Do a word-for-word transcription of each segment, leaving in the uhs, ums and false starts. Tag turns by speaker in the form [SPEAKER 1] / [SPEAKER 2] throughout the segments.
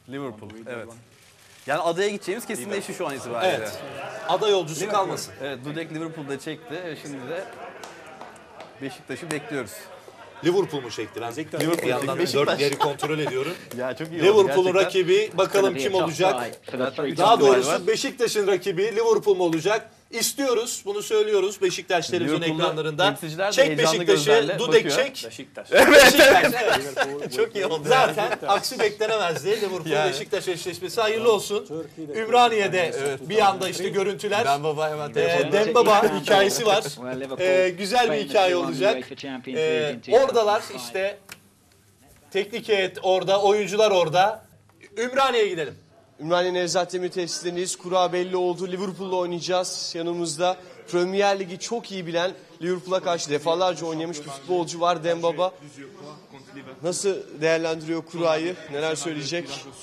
[SPEAKER 1] Liverpool, evet. Yani adaya gideceğimiz kesinleşti şu an itibariyle.
[SPEAKER 2] Evet. Ada yolcusu kalmasın.
[SPEAKER 1] Evet, Dudek Liverpool'da çekti. Şimdi de Beşiktaş'ı bekliyoruz.
[SPEAKER 2] Liverpool mu çektiren?
[SPEAKER 1] Liverpool
[SPEAKER 2] Bir yandan
[SPEAKER 1] çekti.
[SPEAKER 2] dörtleri kontrol ediyorum.
[SPEAKER 1] Ya çok iyi oldu
[SPEAKER 2] Liverpool'un
[SPEAKER 1] gerçekten.
[SPEAKER 2] rakibi bakalım kim olacak? Daha doğrusu Beşiktaş'ın rakibi Liverpool mu olacak? İstiyoruz, bunu söylüyoruz Beşiktaş televizyon
[SPEAKER 1] Liverpool'da
[SPEAKER 2] ekranlarında.
[SPEAKER 1] temsilciler de
[SPEAKER 2] Çek
[SPEAKER 1] heyecanlı
[SPEAKER 2] Beşiktaş'ı,
[SPEAKER 1] gözlerle
[SPEAKER 2] Dudek
[SPEAKER 1] bakıyor.
[SPEAKER 2] çek.
[SPEAKER 3] Beşiktaş.
[SPEAKER 2] Beşiktaş, evet.
[SPEAKER 1] Çok iyi oldu.
[SPEAKER 2] Zaten aksi beklenemezdi. Liverpool
[SPEAKER 1] Yani.
[SPEAKER 2] Beşiktaş eşleşmesi hayırlı olsun. Ümraniye'de bir anda işte görüntüler.
[SPEAKER 1] Dembaba hemen
[SPEAKER 2] Ee,
[SPEAKER 1] telefonu.
[SPEAKER 2] Dembaba hikayesi var. Ee, güzel bir hikaye olacak. Ee, oradalar işte. Teknik heyet orada, oyuncular orada. Ümraniye'ye gidelim.
[SPEAKER 4] Ümraniye Nevzat Demir tesislerindeyiz. Kura belli oldu. Liverpool'la oynayacağız. Yanımızda Premier Ligi çok iyi bilen, Liverpool'a karşı defalarca oynamış bir futbolcu var, Dembaba. Nasıl değerlendiriyor kurayı? Neler söyleyecek?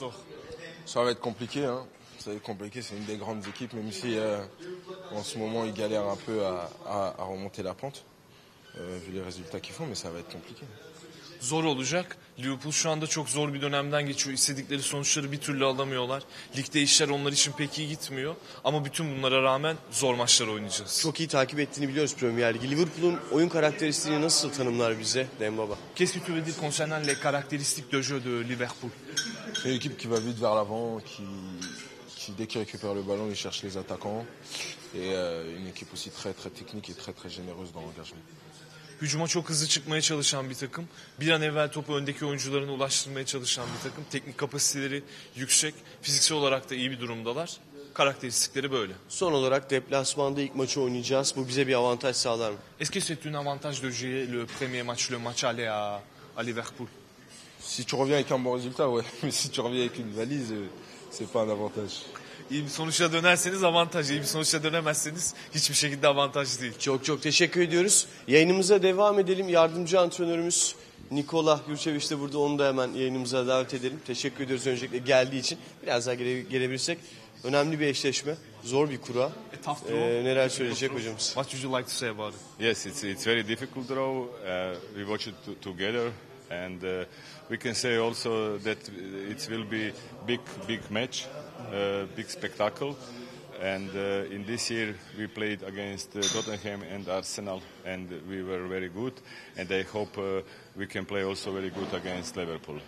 [SPEAKER 5] Ça va être compliqué, hein. Ça va être compliqué, c'est une des grandes équipes, même si euh, en ce moment ils galèrent un peu à, à, à remonter la pente, euh, vu les résultats qu'ils font, mais ça va être compliqué.
[SPEAKER 6] Zor olacak. Liverpool şu anda çok zor bir dönemden geçiyor. İstedikleri sonuçları bir türlü alamıyorlar. Ligde işler onlar için pek iyi gitmiyor. Ama bütün bunlara rağmen zor maçlar oynayacağız.
[SPEAKER 4] Çok iyi takip ettiğini biliyoruz Premier Ligi. Liverpool'un oyun karakteristiğini nasıl tanımlar bize Dembaba?
[SPEAKER 6] Qu'est-ce que tu veux dire concernant les caractéristiques de jeu de Liverpool?
[SPEAKER 5] C'est une équipe qui va vite vers l'avant, qui, qui dès qu'il récupère le ballon, il cherche les attaquants. Et euh, une équipe aussi très très technique et très très généreuse dans l'engagement.
[SPEAKER 6] Hücuma çok hızlı çıkmaya çalışan bir takım. Bir an evvel topu öndeki oyuncularına ulaştırmaya çalışan bir takım. Teknik kapasiteleri yüksek. Fiziksel olarak da iyi bir durumdalar. Karakteristikleri böyle.
[SPEAKER 4] Son olarak deplasmanda ilk maçı oynayacağız. Bu bize bir avantaj sağlar mı?
[SPEAKER 6] Est-ce que c'est un avantage de jouer le premier match, le match aller à, à Liverpool?
[SPEAKER 5] Si tu reviens avec un bon résultat, ouais, mais si tu reviens avec une valise, euh, c'est pas un avantage.
[SPEAKER 6] İyi bir sonuçla dönerseniz avantaj, iyi bir sonuçla dönemezseniz hiçbir şekilde avantaj değil.
[SPEAKER 4] Çok çok teşekkür ediyoruz. Yayınımıza devam edelim. Yardımcı antrenörümüz Nikola Jurčević de burada. Onu da hemen yayınımıza davet edelim. Teşekkür ediyoruz öncelikle geldiği için. Biraz daha gele, gelebilirsek. Önemli bir eşleşme. Zor bir kura. Ee, neler söyleyecek hocamız?
[SPEAKER 6] What would you like to say about it?
[SPEAKER 7] Yes, it's it's very difficult draw. Uh, we watch it to, together, and uh, we can say also that it will be big big match, uh, big spectacle. And uh, in this year we played against uh, Tottenham and Arsenal, and we were very good. And I hope uh, we can play also very good against Liverpool.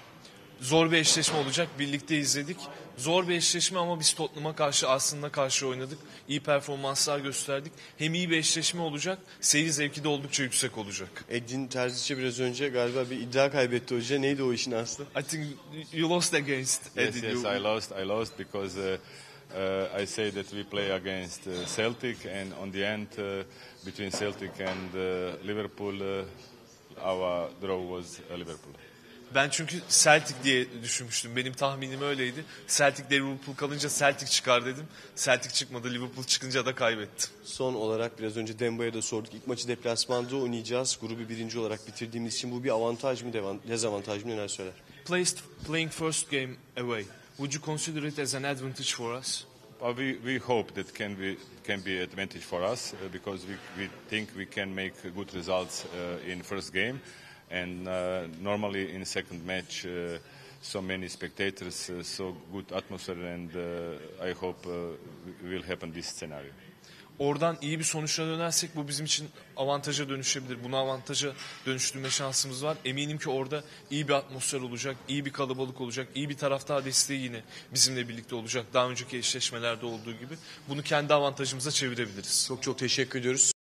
[SPEAKER 6] Zor bir eşleşme olacak. Birlikte izledik. Zor bir eşleşme ama biz Tottenham'a karşı, Arsenal'a karşı oynadık. İyi performanslar gösterdik. Hem iyi bir eşleşme olacak, seyir zevki de oldukça yüksek olacak.
[SPEAKER 4] Edin Terziç'e biraz önce galiba bir iddia kaybetti hoca. Neydi o işin aslı?
[SPEAKER 6] I think you lost against
[SPEAKER 7] Yes,
[SPEAKER 6] Edin.
[SPEAKER 7] yes,
[SPEAKER 6] You-
[SPEAKER 7] I lost. I lost because uh, uh, I say that we play against uh, Celtic, and on the end, uh, between Celtic and uh, Liverpool, uh, our draw was uh, Liverpool.
[SPEAKER 6] Ben çünkü Celtic diye düşünmüştüm. Benim tahminim öyleydi. Celtic de Liverpool kalınca Celtic çıkar dedim. Celtic çıkmadı. Liverpool çıkınca da kaybettim.
[SPEAKER 4] Son olarak biraz önce Demba'ya da sorduk. İlk maçı deplasmanda oynayacağız. Grubu birinci olarak bitirdiğimiz için bu bir avantaj mı, dezavantaj mı, neler söyler?
[SPEAKER 6] Placed playing first game away. Would you consider it as an advantage for us?
[SPEAKER 7] Uh, we we hope that can be can be advantage for us uh, because we we think we can make good results uh, in first game, and uh, normally in second match, uh, so many spectators, uh, so good atmosphere, and uh, I hope uh, will happen this scenario.
[SPEAKER 6] Oradan iyi bir sonuçla dönersek bu bizim için avantaja dönüşebilir. Bunu avantaja dönüştürme şansımız var. Eminim ki orada iyi bir atmosfer olacak, iyi bir kalabalık olacak, iyi bir taraftar desteği yine bizimle birlikte olacak. Daha önceki eşleşmelerde olduğu gibi. Bunu kendi avantajımıza çevirebiliriz.
[SPEAKER 4] Çok çok teşekkür ediyoruz.